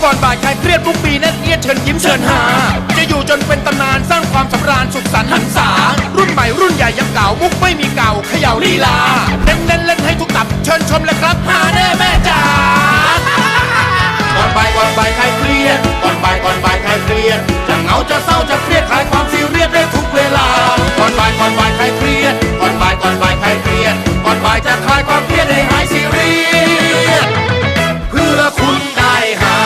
ก่อนบ่ายคลายเครียดทุกปีแน่นเอียดเชิญยิ้มเชิญหาจะอยู่จนเป็นตำนานสร้างความสำราญสุขสันต์หันษารุ่นใหม่รุ่นใหญ่ยังเก่ามุกไม่มีเก่าเขย่าลีลาเน้นเล่นให้ทุกตับเชิญชมเลยครับหาแน่แม่จ๋าก่อนบ่ายคลายเครียดก่อนบ่ายคลายเครียดจะเหงาจะเศร้าจะเครียดคลายความซีเรียสได้ทุกเวลาก่อนบ่ายคลายเครียดก่อนบ่ายคลายเครียดก่อนบ่ายจะคลายความเครียดให้หายซีเรียสเพื่อคุณได้หา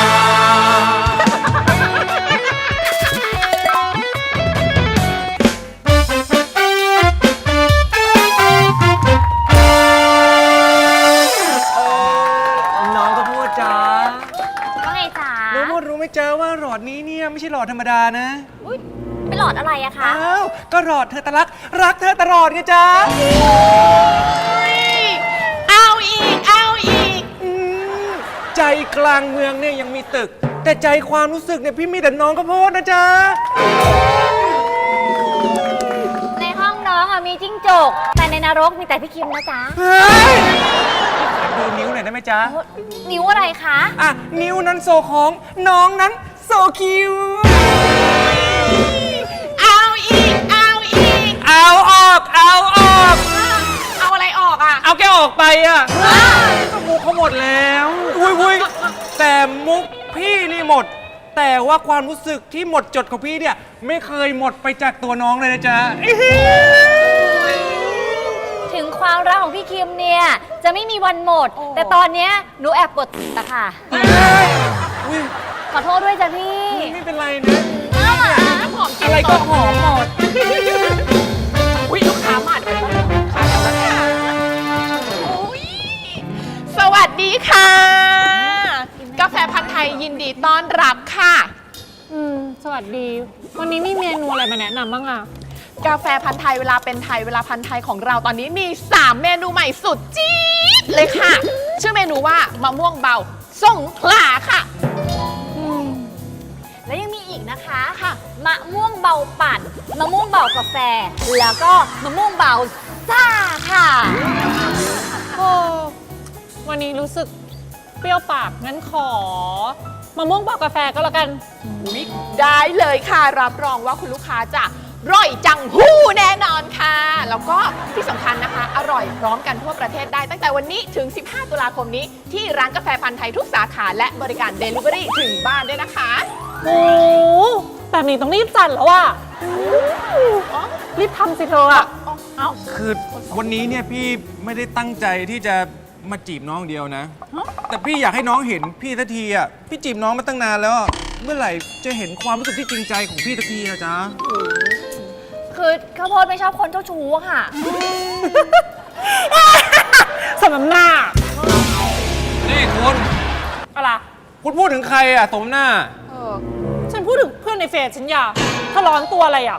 น้องก็พูดจ้าว่าไงจ๋าน้องพูดรู้ไหมจ้าว่าหลอดนี้เนี่ยไม่ใช่หลอดธรรมดานะอุ๊ยเป็นหลอดอะไรอะคะอ้าวก็หลอดเธอตะรักเธอตลอดไงจ้าเอาอีกใจกลางเมืองเนี่ยยังมีตึก แต่ใจความรู้สึกเนี่ยพี่มีแต่น้องก็พูดนะจ๊ะในห้องน้องอะมีจิ้งจก แต่ในนรกมีแต่พี่คิมนะจ๊ะเฮ้ยดูนิ้วหน่อยได้ไหมจ๊ะนิ้วอะไรคะอ่ะนิ้วนั้นโซของน้องนั้นโซคิวเอาอีกเอาออกเอาอะไรออกอะเอาแกออกไปอ่ะก็มุกเขาหมดแล้ววุ้ยแต่มุกพี่นี่หมด แต่ว่าความรู้สึกที่หมดจดของพี่เนี่ยไม่เคยหมดไปจากตัวน้องเลยนะจ๊ะถึงความรักของพี่คิมเนี่ยจะไม่มีวันหมด แต่ตอนเนี้ยหนูแอบปวดตะค่ะอุ๊ยขอโทษด้วยจ้ะพี่ไม่เป็นไรนะอะไรก็หอมหมดอุ้ยลูกค้ามาด้วยลูกค้าแล้วค่ะอุ้ยสวัสดีค่ะ กาแฟพันธุ์ไทยยินดีต้อนรับค่ะสวัสดี วันนี้มีเมนูอะไรมาแนะนำบ้างอะกาแฟพันธุ์ไทยเวลาเป็นไทยเวลาพันธุ์ไทยของเราตอนนี้มี 3 เมนูใหม่สุดจี๊ดเลยค่ะ ชื่อเมนูว่ามะม่วงเบาสงขลาค่ะแล้วยังมีอีกนะคะค่ะมะม่วงเบาปั่นมะม่วงเบากาแฟ แล้วก็มะม่วงเบาซ่าค่ะโอ้วันนี้รู้สึกเปรี้ยวปาก งั้นขอมะม่วงบอกกาแฟก็แล้วกันอุ๊ยได้เลยค่ะรับรองว่าคุณลูกค้าจะร่อยจังหู้แน่นอนค่ะ แล้วก็ที่สำคัญนะคะ อร่อยพร้อมกันทั่วประเทศได้ตั้งแต่วันนี้ถึง 15 ตุลาคมนี้ ที่ร้านกาแฟพันธุ์ไทยทุกสาขาและบริการ Delivery ถึงบ้านด้วยนะคะโอ้แบบนี้ต้องรีบจัดแล้วอะรีบทำสิเธออะคือวันนี้เนี่ยพี่ไม่ได้ตั้งใจที่จะมาจีบน้องเดียวนะ แต่พี่อยากให้น้องเห็นพี่สักทีอ่ะพี่จีบน้องมาตั้งนานแล้วอะเมื่อไหร่จะเห็นความรู้สึกที่จริงใจของพี่สักทีอะจ๊ะคือข้าวโพดไม่ชอบคนเจ้าชู้อะค่ะสำน้ำหน้านี่คุณอะไรคุณพูดถึงใครอ่ะสมหน้าฉันพูดถึงเพื่อนในเฟซฉันอย่าถ้าร้อนตัวอะไรอะ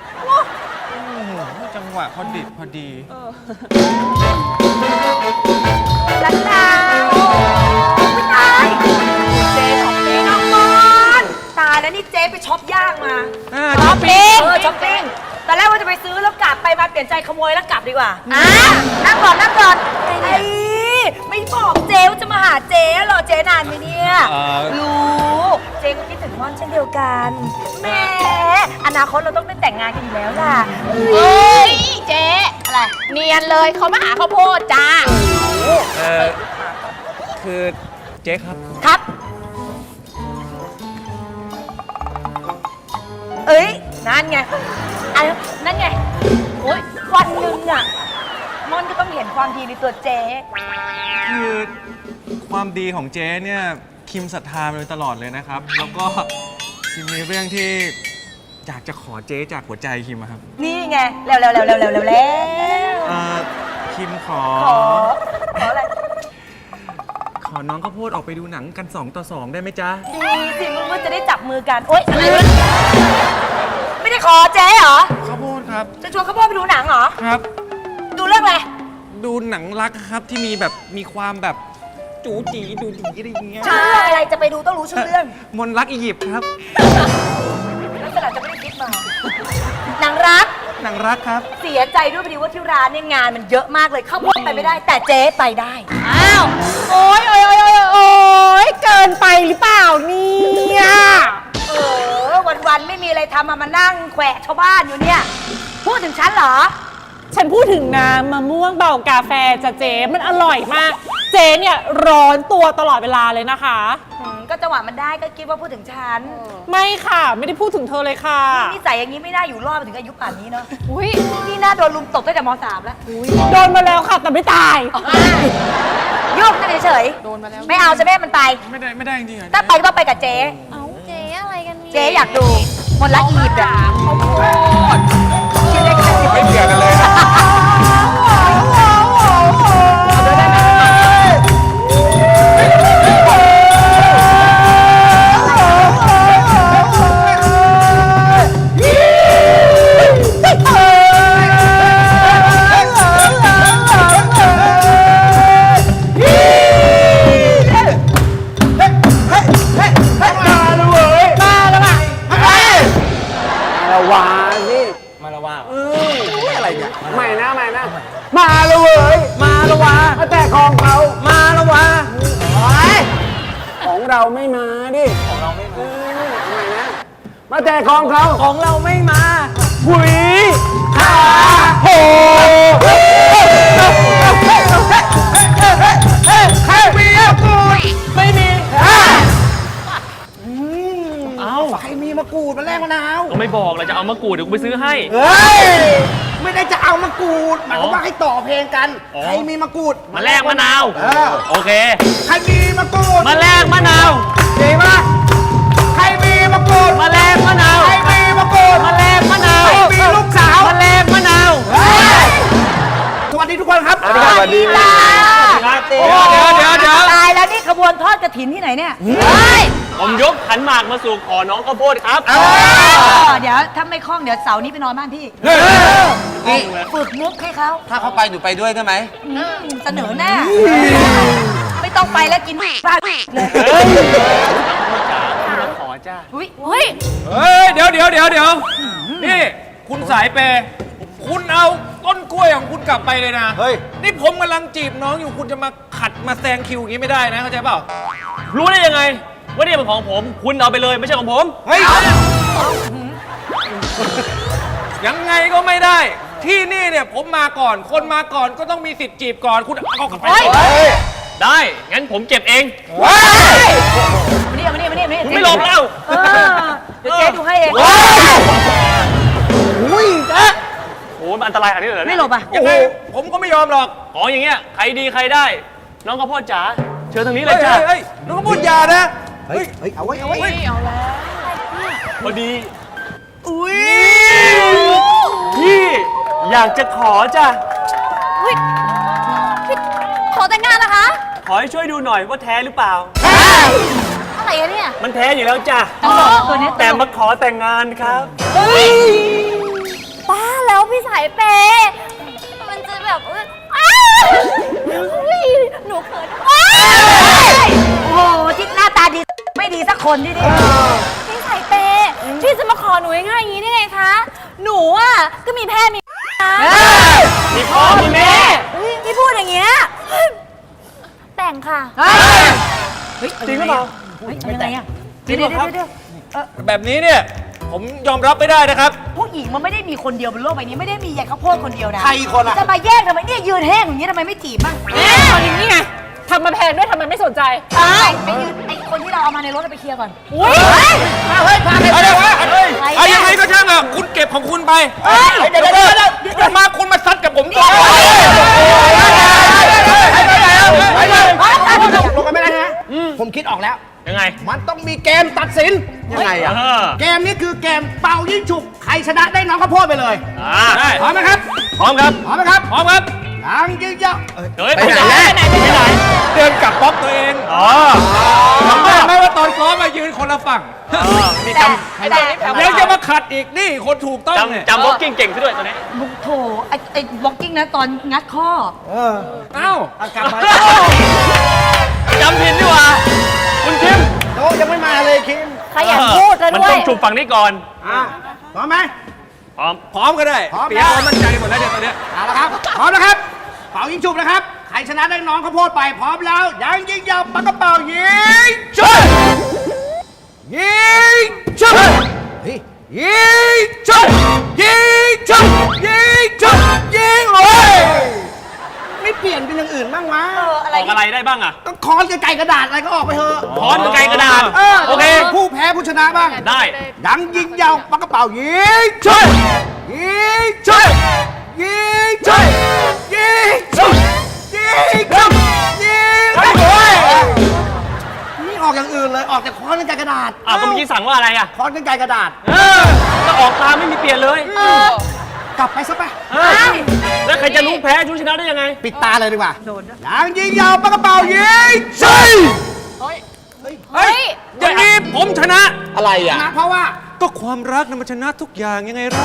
จังหวะพอดิบพอดีลันดาไม่ตายเจ๊ของพี่น้องมอนตายแล้วนี่เจ๊ไปช็อปย่างมาช้อปปิ้งช้อปปิ้งตอนแรกว่าจะไปซื้อแล้วกลับไปมาเปลี่ยนใจขโมยแล้วกลับดีกว่านั่งก่อนไอ้ไม่บอกเจ๊ว่าจะมาหาเจ๊หรอเจ๊นานไหมเนี่ยรู้เจ๊ก็คิดถึงม่อนเช่นเดียวกันแหม่อนาคตเราต้องได้แต่งงานกันอยู่แล้วล่ะเฮ้ยเจ๊อะไรเนียนเลยเขามาหาข้าวโพดจ้าคือเจ๊ครับครับ เอ้ยนั่นไงนั่นไงโอ๊ยวันหนึ่งอะม่อนก็ต้องเห็นความดีในตัวเจ๊คือความดีของเจ๊เนี่ยคิมศรัทธามาโดยตลอดเลยนะครับ แล้วก็คิมมีเรื่องที่อยากจะขอเจ๊จากหัวใจคิมอะครับนี่ไงแล้วคิมขออะไรขอน้องข้าวโพดออกไปดูหนังกัน2 ต่อ 2ได้ไหมจ๊ะดีสิมึงก็จะได้จับมือกันโอ๊ยอะไรวะไม่ได้ขอเจ๊เหรอข้าวโพดครับจะชวนข้าวโพดไปดูหนังเหรอครับดูเรื่องอะไรดูหนังรักครับที่มีแบบมีความแบบจูจีดูดีอะไรอย่างเงี้ยชื่อเรื่องอะไรจะไปดูต้องรู้ชื่อเรื่องมนต์รักอียิปต์ครับลักษณะจะไม่ได้คิดมาหนังรักหนังรักครับเสียใจด้วยพอดีว่าที่ร้านเนี่ยงานมันเยอะมากเลยข้าวโพดไปไม่ได้ แต่เจ๊ไปได้อ้าว โอ๊ยกกินไปหรือเปล่าเนี่ยวันๆไม่มีอะไรทำมานั่งแขวะชาวบ้านอยู่เนี่ย พูดถึงฉันเหรอฉันพูดถึงน้ำมะม่วงเบากาแฟจ้ะเจ๊มันอร่อยมาก เจ๊เนี่ยร้อนตัวตลอดเวลาเลยนะคะก็จังหวะมันได้ก็คิดว่าพูดถึงฉันไม่ค่ะไม่ได้พูดถึงเธอเลยค่ะนิสัยอย่างนี้ไม่น่าอยู่รอดมาถึงอายุป่านนี้เนาะอุ้ยนี่น่าโดนลุมตบตั้งแต่ม .3 แล้วโดนมาแล้วค่ะแต่ไม่ตายโยกกันเฉยๆโดนมาแล้วไม่เอาจะไม่ให้มันไปไม่ได้จริงๆเหรอถ้าไปก็ต้องไปกับเจ๊เอาเจ๊อะไรกันเนี่ยเจ๊อยากดูมนต์ละอีบอ่ะไม่เกี่ยวกันเลยนะมาแล้วเว้ย มาแล้ววะมาแต่ของเขา มาแล้ววะของเราไม่มาดิ ของเราไม่มาทำไมนะ มาแต่ของเขาของเราไม่มาหุยขาโหใครมีมะกรูดไม่มีใครมีมะกรูดมาแลกมะนาวก็ไม่บอกเลยจะเอามะกรูดเดี๋ยวกูไปซื้อให้เฮ้ย ไม่ได้จะเอามะกรูดหมายความว่าให้ต่อเพลงกัน ใครมีมะกรูดมาแลกมะนาว โอเคใครมีมะกรูดมาแลกมะนาวดีปะใครมีมะกรูดมาแลกมะนาวใครมีมะกรูดมาแลกมะนาวใครมีลูกสาวมาแลกมะนาวสวัสดีทุกคนครับสวัสดีค่ะเดี๋ยวตายแล้วนี่ขบวนทอดกระถินที่ไหนเนี่ยผมยกขันหมากมาสู่ขอน้องข้าวโพดครับเดี๋ยวถ้าไม่คล่องเดี๋ยวเสาร์นี้ไปนอนบ้านพี่ฝึกมุกให้เขาถ้าเขาไปหนูไปด้วยได้ไหมเสนอหน้า ไม่ต้องไปแล้วกินบ้านเลยขอจ้าอุ้ยเฮ้ยเฮ้ย เดี๋ยวนี่คุณสายเปย์คุณเอาต้นกล้วยของคุณกลับไปเลยนะเฮ้ยนี่ผมกำลังจีบน้องอยู่คุณจะมาขัดมาแซงคิวอย่างนี้ไม่ได้นะเข้าใจเปล่ารู้ได้ยังไง ว่านี่เป็นของผม คุณเอาไปเลยไม่ใช่ของผมเฮ้ยยังไงก็ไม่ได้ ที่นี่เนี่ยผมมาก่อน คนมาก่อนก็ต้องมีสิทธิ์จีบก่อน คุณเอากลับไปได้ งั้นผมเก็บเองมานี่มานี่มานี่มานี่คุณไม่หลบแล้วเดี๋ยวเจ๊ดูให้เองอุ้ยจ๊ะโอ้มันอันตรายขนาดนี้เลยเหรอไม่เนี่ยหลบอ่ะยังไงผมก็ไม่ยอมหรอกของอย่างเงี้ย ใครดีใครได้ น้องข้าวโพดจ๋า เชิญทางนี้เลเฮ้ยยจ้าเฮ้ยน้องก็พูดอยานะเฮ้ย เอาไว้พอดี อุ้ยพี่อยากจะขอจ้ะขอแต่งงานนะคะขอให้ช่วยดูหน่อยว่าแท้หรือเปล่าอะไรอะเนี่ยมันแท้อยู่แล้วจ้ะตัวนี้แต่มาขอแต่งงานครับป้าแล้วพี่สายเปย์มันจะแบบอ้าวอุ๊ยหนูเขินอ้าวโอ้โหที่หน้าตาดีไม่ดีสักคนที่นี่พี่สายเปย์พี่จะมาขอหนูง่ายๆอย่างนี้ได้ไงคะ หนูอ่ะก็มีแพ่มีนะมีพ่อมีแม่พี่พูดอย่างเงี้ยแต่งค่ะจริงหรือเปล่ายังไงอ่ะจริงเหรอครับเดี๋ยวแบบนี้เนี่ยผมยอมรับไม่ได้นะครับผู้หญิงมันไม่ได้มีคนเดียวบนโลกใบนี้ไม่ได้มียายข้าวโพดคนเดียวนะใครคนอะจะมาแย่งทำไมเนี่ยยืนแห้งอย่างนี้ทำไมไม่จีบบ้างตอนนี้นี่ไงทำมาแพงด้วยทำไมไม่สนใจไปยืนไอ้คนที่เราเอามาในรถไปเคลียร์ก่อนอุ้ยอะไรวะเอายังไงก็ช่างอ่ะคุณเก็บของคุณไปเดี๋ยวมาคุณมาซัดกับผมก่อนลงกันไม่ได้นะ ผมคิดออกแล้วยังไงมันต้องมีเกมตัดสิน ยังไงอะเออเกมนี้คือเกมเป่ายิงฉุก ใครชนะได้น้องข้าวโพดไปเลยได้พร้อมไหมครับพร้อมครับพร้อมไหมครับพร้อมครับยังยิงยาวเฮ้ยไปไหนไปไหนเดินกลับบล็อกตัวเองอ๋อจำได้ไหมว่าตอนซ้อมมายืนคนละฝั่งมีแต่จำยังจะมาขัดอีกนี่คนถูกต้องเนี่ยจำบล็อกกิ้งเก่งซะด้วยตัวนี้โถไอ้บล็อกกิ้งนะตอนงัดข้อเอ้ากลับมาจำผิดดีกว่า คุณคิมโตยังไม่มาเลยคิมขยันพูดซะมันด้วต้ยองจูบฝั่งนี้ก่อนพร้อมไหมพร้อมพร้อมก็ได้พร้อมเปียกความมั่นใจหมดแล้วเดี๋ยวตอนเนี้ยเอาละครับ พร้อมนะครับ เป่ายิงฉุบนะครับ ใครรชนะได้น้องข้าวโพดไปพร้อมแล้วยังยิงยาวปากกระเป๋ายิงชุดยิงชุดยิงชุดยิงชุดยิงชุดยิงเลยไม่เปลี่ยนเป็นอย่างอื่นบ้างวะอะไรออกอะไรได้บ้างอะก็ค้อนกับไก่กระดาษอะไรก็ออกไปเถอะค้อนกับไกลกระดาษ โอเคผู้แพ้ผู้ชนะบ้างได้ยังยิงยาวปากกระเป๋ายิงชุดยิงชุดยิงชุดยิงชุดยิงชุดยิงโอ้ยนี่ออกอย่างอื่นเลยออกแต่ค้อนกับไก่กระดาษอ้าวก็เมื่อกี้สั่งว่าอะไรอะค้อนกับไก่กระดาษก็ออกตามไม่มีเปลี่ยนเลยกลับไปซะไปแล้วใครจะรู้แพ้ชูชนะได้ยังไงปิดตาเลยดีกว่ายังยิงยาวปากกระเป๋ายิงใช่เฮ้ยอย่างนี้ผมชนะอะไรอ่ะนะเพราะว่าก็ความรักนะมันชนะทุกอย่างยังไงเล่า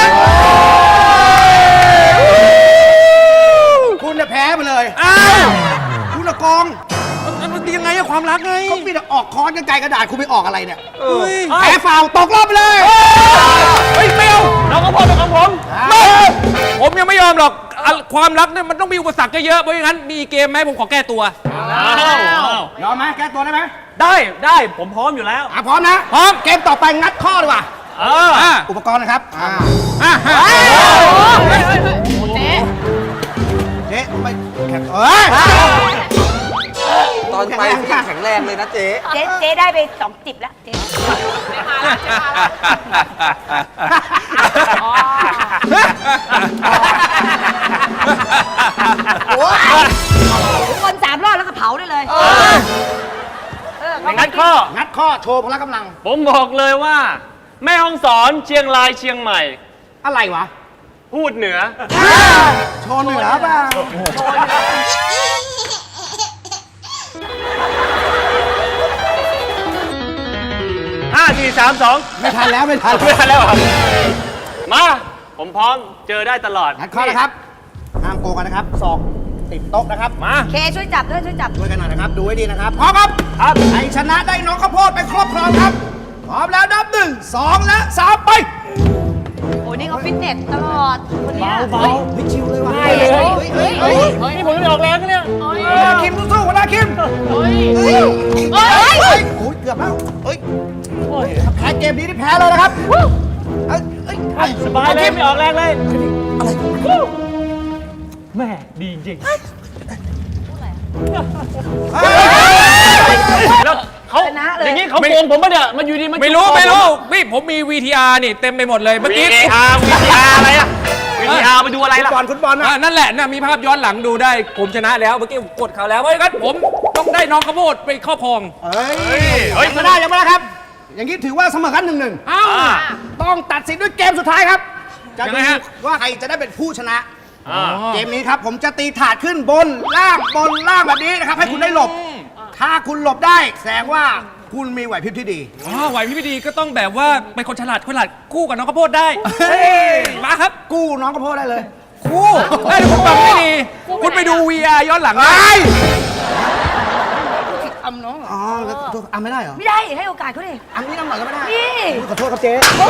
คุณจะแพ้ไปเลยอ้าวคุณละกองมันดียังไงอะความรักไงเขามีแต่ออกค้อนกับไก่กระดาษคุณไปออกอะไรเนี่ยเฮ้ยแพ้ฟาวตกรอบไปเลยเฮ้ยไม่เอาน้องข้าวโพดเป็นของผมผมยังไม่ยอมหรอกความรักเนี่ยมันต้องมีอุปสรรคเยอะๆเพราะงั้นมีเกมไหมผมขอแก้ตัวยอมไหมแก้ตัวได้ไหมได้ผมพร้อมอยู่แล้วพร้อมนะพร้อมเกมต่อไปงัดข้อดีกว่า อุปกรณ์นะครับเจ๊ไม่แข็งตอนไปแข็งแรงเลยนะเจ๊เจ๊ได้ไป2 จิบแล้วเจ๊ ทุกคน3 รอบแล้วก็เผาได้เลยงั้นข้องัดข้อโชว์พละกำลังผมบอกเลยว่า แม่ฮ่องสอนเชียงรายเชียงใหม่อะไรวะพูดเหนือโชว์เหนือเปล่า 5 4 3 2 ไม่ทันแล้วไม่ทันไม่ทันแล้วเหรอมา ผมพร้อมเจอได้ตลอดงัดข้อนะครับห้ามโกงกันนะครับศอกติดโต๊ะนะครับมาเคช่วยจับด้วยช่วยจับช่วยกันหน่อยนะครับ ดูให้ดีนะครับ พร้อมครับครับใครชนะได้น้องข้าวโพดไปครอบครองครับ พร้อมแล้วนับ1 2 และ 3 ไปโอ้นี่เขาฟิตเนสตลอดคนเนี้ยเบาเฮ้ยชิวเลยว่ะได้เลยเฮ้ยนี่ผมไม่ออกแรงนะเนี่ยคิมสู้ๆหัวหน้าคิมโอ้ยเกือบแล้วเฮ้ยถ้าแพ้เกมนี้ที่แพ้เลยนะครับเอ้ยสบายเลยไม่ออกแรงเลยแม่ดีจริงแล้วเขาชนะเลยอย่างนี้เขาโกงผมปะเนี่ยมันอยู่ดีมันไม่รู้พี่ผมมี VTR นี่เต็มไปหมดเลยเมื่อกี้ VTR อะไรอะ VTR ไปดูอะไรล่ะฟุตบอลนะนั่นแหละนะมีภาพย้อนหลังดูได้ ผมชนะแล้วเมื่อกี้ผมกดเขาแล้วเพราะงั้นผมต้องได้น้องข้าวโพดไปครอบครองเฮ้ยยังไม่ได้ครับ อย่างนี้ถือว่าเสมอกัน1-1 อ้าวต้องตัดสินด้วยเกมสุดท้ายครับ จะยังดูไงฮะว่าใครจะได้เป็นผู้ชนะอ่าเกมนี้ครับผมจะตีถาดขึ้นบนล่างแบบนี้นะครับ ให้คุณได้หลบ ถ้าคุณหลบได้แสดงว่าคุณมีไหวพริบที่ดีไหวพี่ดีก็ต้องแบบว่าเป็นคนฉลาดกู้กับน้องข้าวโพดได้มาครับกู้น้องกระโพดได้เลยกู้ได้ผมฟังไม่ดีคุณไปดู VR ย้อนหลังได้อ๋อแล้วอ่ะไม่ได้เหรอไม่ได้ให้โอกาสเขาดิอันนี้น้ำหน่อยก็ไม่ได้นี่ขอโทษครับเจ๊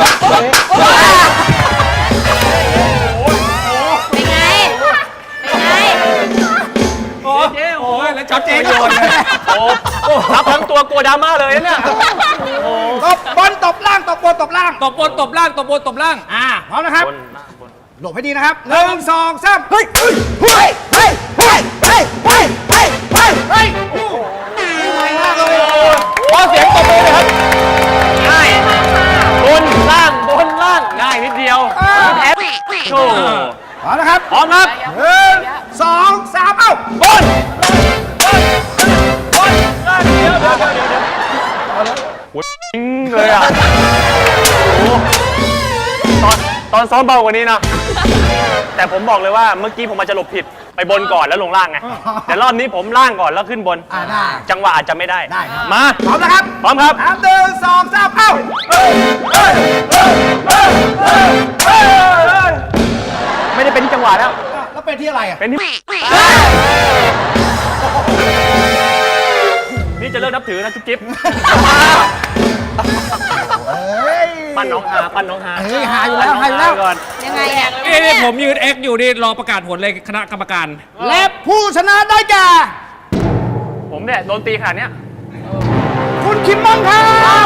เป็นไง เป็นไงเจ๊โอ้โอ้ยยแล้วช็อตเจโยนเลยโอ้รับทั้งตัวกลัวดราม่าเลยนะเนี่ยตบบนตบล่างตบบนตบล่างตบบนตบล่างตบบนตบล่างพร้อมนะครับบนมาบนหลบให้ดีนะครับ1 2 3เฮ้ยเฮ้ยเฮ้ยเฮ้ยเฮ้ยเฮ้ยเฮ้ยเฮ้ยเฮ้ยเฮ้ยโอ้โหง่ายมากเลยขอเสียงตบมือเลยครับ ง่ายบนล่างง่ายนิดเดียวแพ้โชว์พร้อมนะครับพร้อมครับ 1 2 3เอ้าบนล่างเดี๋ยวโอ้ยจริงเลยอ่ะโอ้ตอนซ้อมเบากว่านี้นะ แต่ผมบอกเลยว่าเมื่อกี้ผมอาจจะหลบผิดไปบนก่อนแล้วลงล่างไง แต่รอบนี้ผมล่างก่อนแล้วขึ้นบนได้จังหวะอาจจะไม่ได้ได้ครับมาพร้อมนะครับพร้อมครับ 1 2 3เอ้าไม่ได้เป็นที่จังหวะแล้วแล้วเป็นที่อะไรอ่ะเป็นที่ นี่จะเลิกนับถือนะจุ๊บจิ๊บเฮ้ยปั้นน้องฮาปั้นน้องฮาเฮ้ยหาอยู่แล้วหาอยู่แล้วก่อนยังไงเนี่ยนี่ผมยืน X อยู่นี่รอประกาศผลเลยคณะกรรมการและผู้ชนะได้แก่ผมเนี่ยโดนตีขนาดเนี้ยคุณคิมมองค่ะ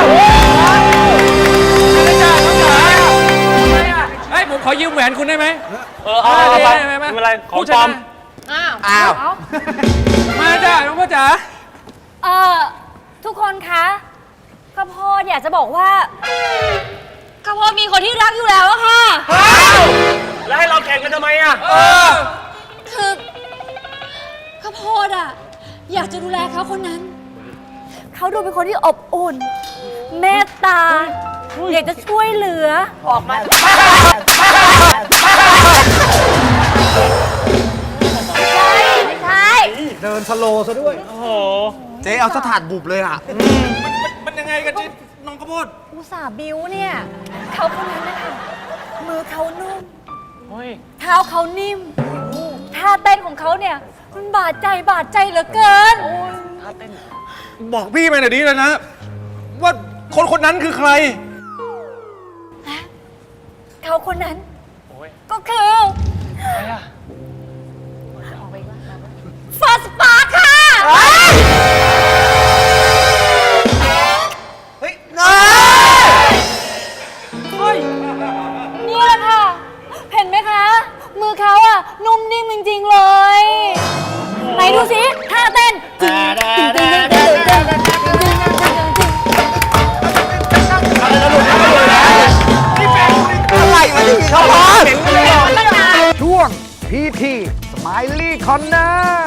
เฮ้ย ผมขอยืมแหวนคุณได้ไหมเอาไปได้ไหมไม่เป็นไรของผู้ชปลอนะมอ้าวมาจ้ะน้องพ่อจ๋าทุกคนคะข้าวโพดอยากจะบอกว่าข้าวโพดมีคนที่รักอยู่แล้วอะค่ะแล้วให้เราแข่งกันทำไมอ่ะคือข้าวโพดอะอยากจะดูแลเขาคนนั้น เขาดูเป็นคนที่อบอุ่น เมตตา อยากจะช่วยเหลือ ออกมาไม่ใช่เดินสโลว์ซะด้วยโอ้โหเจ๊เอาสถานบุบเลยอ่ะมันยังไงกันจิน้องข้าวโพดอุตส่าห์บิ้วเนี่ย เขาคนนั้นนะคะมือเขานุ่มเฮ้ยเท้าเขานิ่ม ท่าเต้นของเขาเนี่ย มันบาดใจเหลือเกินบอกพี่มาหน่อยดิเลยนะ ว่าคนคนนั้นคือใครเขาคนนั้นโอ้ยก็คืออะไรอ่ะฟาสปาร์คค่ะเฮ้ยนี่แหละค่ะ เห็นไหมคะ มือเขาอะนุ่มนิ่มจริงๆเลย ไหนดูสิท่าเต้นจริงจริงจริงจริงจริงจริงจริงอะไรมาที่เขาพอช่วงพีทีสไมลี่คอนเนอร์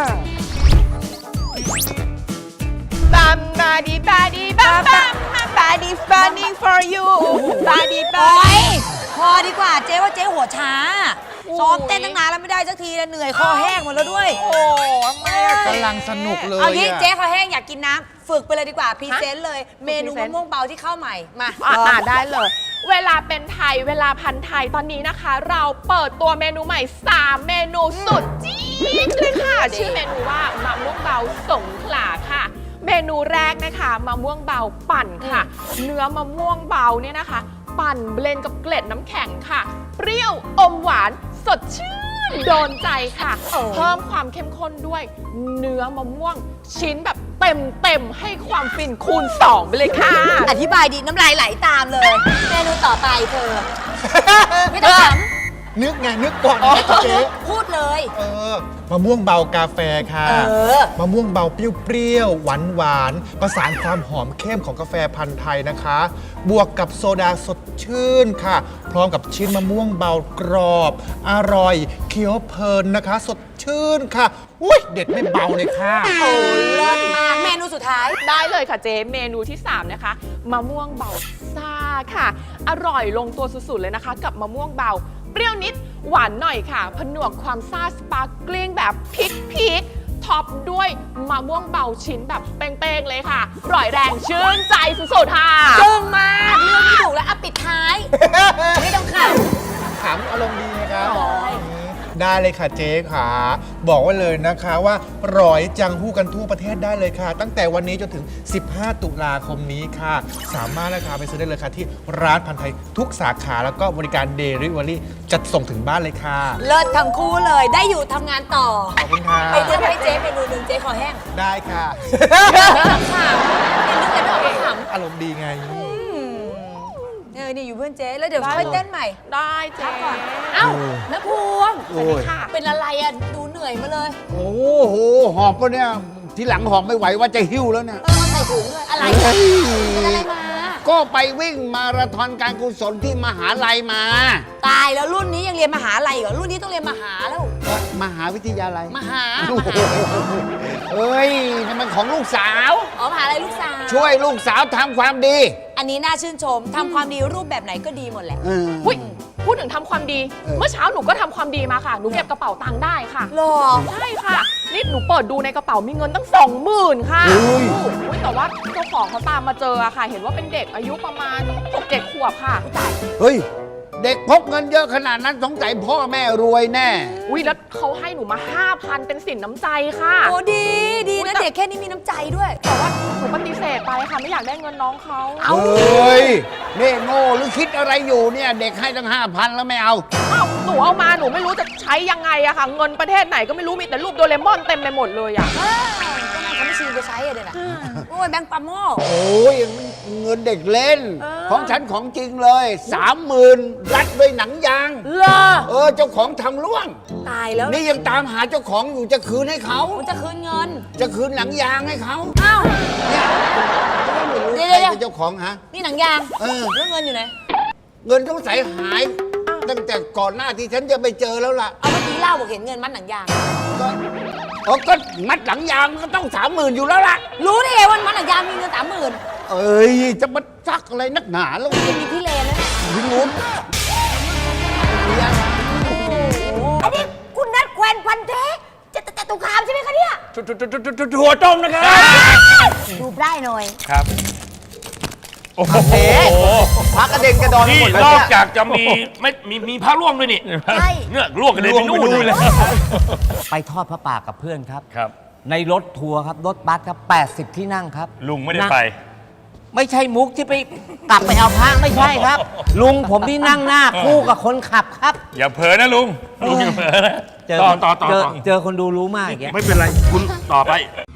บัมบาดีบาดีบัมบัมบาดี funny for you บาดีบาโอ๊ยพอดีกว่าเจ๊ว่าเจ๊หัวช้า ซ้อมเต้นตั้งนานแล้วไม่ได้สักทีแล้วเหนื่อยคอแห้งหมดแล้วด้วยโอ้ทำไมอะกำลังสนุกเลยเอางี้อะเจ๊คอแห้งอยากกินน้ำฝึกไปเลยดีกว่าพรีเซนต์เลย เมนูมะม่วงเบาที่เข้าใหม่ มาได้เลย เวลาเป็นไทยเวลาพันไทยตอนนี้นะคะ เราเปิดตัวเมนูใหม่ 3 เมนูสุดจี๊ดเลยค่ะ ชื่อเมนูว่ามะม่วงเบาสงขลาค่ะ เมนูแรกนะคะมะม่วงเบาปั่นค่ะ เนื้อมะม่วงเบาเนี่ยนะคะ ปั่นเบลนด์กับเกล็ดน้ำแข็งค่ะ เปรี้ยวอมหวานสดชื่นโดนใจค่ะ เพิ่มความเข้มข้นด้วยเนื้อมะม่วงชิ้นแบบเต็มให้ความฟินคูณ 2 ไปเลยค่ะอธิบายดีน้ำลายไหลตามเลย เมนูต่อไปเธอ ไม่ต้องถามนึกไงนึกก่อนนะเจ๊พูดเลยมะม่วงเบากาแฟค่ะอมะม่วงเบาเปรี้ยวๆหวานๆประสานความหอมเข้มของกาแฟพันธุ์ไทยนะคะ บวกกับโซดาสดชื่นค่ะ พร้อมกับชิ้นมะม่วงเบากรอบ อร่อยเคี้ยวเพลินนะคะ สดชื่นค่ะอุ้ยเด็ดไม่เบาเลยค่ะโอ้เลิศมาก เมนูสุดท้ายได้เลยค่ะเจ๊เมนูที่ 3 นะคะมะม่วงเบาซ่าค่ะ อร่อยลงตัวสุดๆเลยนะคะ กับมะม่วงเบา เปรี้ยวนิดหวานหน่อยค่ะ ผนวกความซ่าสปาร์กลิ้งแบบพีคท็อปด้วยมะม่วงเบาชิ้นแบบเป้งๆเลยค่ะอร่อยแรงชื่นใจสุดๆค่ะจึ้งมาก เรื่องไม่ถูกแล้วอ่ะปิดท้าย ไม่ต้องขับถามอารมณ์ดีนะครับได้เลยค่ะเจ๊ค่ะ บอกไว้เลยนะคะว่าร้อยจังหู้กันทั่วประเทศได้เลยค่ะ ตั้งแต่วันนี้จนถึง 15 ตุลาคมนี้ค่ะ สามารถนะคะไปซื้อได้เลยค่ะที่ร้านพันธุ์ไทยทุกสาขาแล้วก็บริการเดลิเวอรี่จัดส่งถึงบ้านเลยค่ะเลิศทั้งคู่เลย ได้อยู่ทำงานต่อขอบคุณค่ะไปเลือกให้เจ๊เมนูหนึ่งเจ๊ขอแห้งได้ค่ะไม่ต้องขำเป็นนึกอะไรไม่ออกก็ขำอารมณ์ดีไงนี่อยู่เพื่อนเจ๊แล้วเดี๋ยวค่อยเต้นใหม่ได้เจ๊เอ้าน้าพวงโอ้ยค่ะเป็นอะไรอ่ะ ดูเหนื่อยมาเลยโอ้โห หอบปะเนี่ย ทีหลังหอบไม่ไหวว่าจะหิ้วแล้วเนี่ยใส่ถุงเลยอะไรอ่ะเป็นอะไรมาก็ไปวิ่งมาราธอนการกุศลที่มหาลัยมาตายแล้วรุ่นนี้ยังเรียนมหาลัยเหรอ รุ่นนี้ต้องเรียนมหาแล้วมหาวิทยาลัยมหาโอ้โหเฮ้ยนี่มันของลูกสาวอ๋อมหาลัยลูกสาวช่วยลูกสาวทำความดีอันนี้น่าชื่นชม ทำความดีรูปแบบไหนก็ดีหมดแหละเอออุ๊ยพูดถึงทำความดี เมื่อเช้าหนูก็ทำความดีมาค่ะ หนูเก็บกระเป๋าตังค์ได้ค่ะหรอใช่ค่ะ นี่หนูเปิดดูในกระเป๋ามีเงินตั้ง 20,000 ค่ะเฮ้ยอุ๊ยแต่ว่าเจ้าของเขาตามมาเจออะค่ะ เห็นว่าเป็นเด็กอายุประมาณ 6-7 ขวบค่ะเฮ้ยเด็กพกเงินเยอะขนาดนั้นสงสัยพ่อแม่รวยแน่อุ้ยแล้วเขาให้หนูมา 5,000 เป็นสินน้ำใจค่ะโอ้ดีนะเด็กแค่นี้มีน้ำใจด้วยแต่ว่าหนูปฏิเสธไปค่ะไม่อยากได้เงินน้องเขาเฮ้ยนี่โง่หรือคิดอะไรอยู่เนี่ย เด็กให้ตั้ง 5,000 แล้วไม่เอาอ้าวหนูเอามาหนูไม่รู้จะใช้ยังไงอะค่ะ เงินประเทศไหนก็ไม่รู้มีแต่รูปโดเรมอนเต็มไปหมดเลยอะก็นั่นเขาไม่ชีไปใช้อะเดี๋ยวนะโอ้ยแบงค์ปาโม่โอ้ยเงินเด็กเล่น ของฉันของจริงเลย 30,000 รัดด้วยหนังยางเลอเจ้าของทำร่วงตายแล้วนี่ยังตามหาเจ้าของอยู่จะคืนให้เขามันจะคืนเงินจะคืนหนังยางให้เขาอ้าวเนี่ยไม่รู้เดี๋ใครยวเป็นเจ้าของฮะนี่หนังยางเออแล้วเงินอยู่ไหนเงินต้องใส่หาย ตั้งแต่ก่อนหน้าที่ฉันจะไปเจอแล้วล่ะเอาเมื่อกี้เล่าบอกเห็นเงินมัดหนังยางก็มัดหลังยางมันก็ต้อง30,000อยู่แล้วล่ะรู้ได้ไงว่ามัดหนังยางมีเงิน30,000 เอ้ยจะมาซักอะไรนักหนาแล้วยังมีที่เลนแล้วเนี่ยที่นู้นอันนี้คุณนัดแควนพันเทจะตุคามใช่ไหมคะเนี่ยถั่วต้มนะครับดูได้หน่อยครับโอ้โหพักกระเด็นกระดอนนี่หมดเลยนอกเนี่ยจากจะมีพระร่วงด้วยนี่ใช่เนี่ยร่วงกันเลยไปนู่นเลยไปทอดพระป่ากับเพื่อนครับครับในรถทัวร์ครับ รถบัสครับ 80 ที่นั่งครับลุงไม่ได้ไปไม่ใช่มุกที่ไปกลับไปเอาพระไม่ใช่ครับ ลุงผมที่นั่งหน้าคู่กับคนขับครับอย่าเผลอนะลุง ลุงอย่าเผลอนะเจอต่อเจอคนดูรู้มากอย่างเงี้ยไม่เป็นไร คุณต่อไป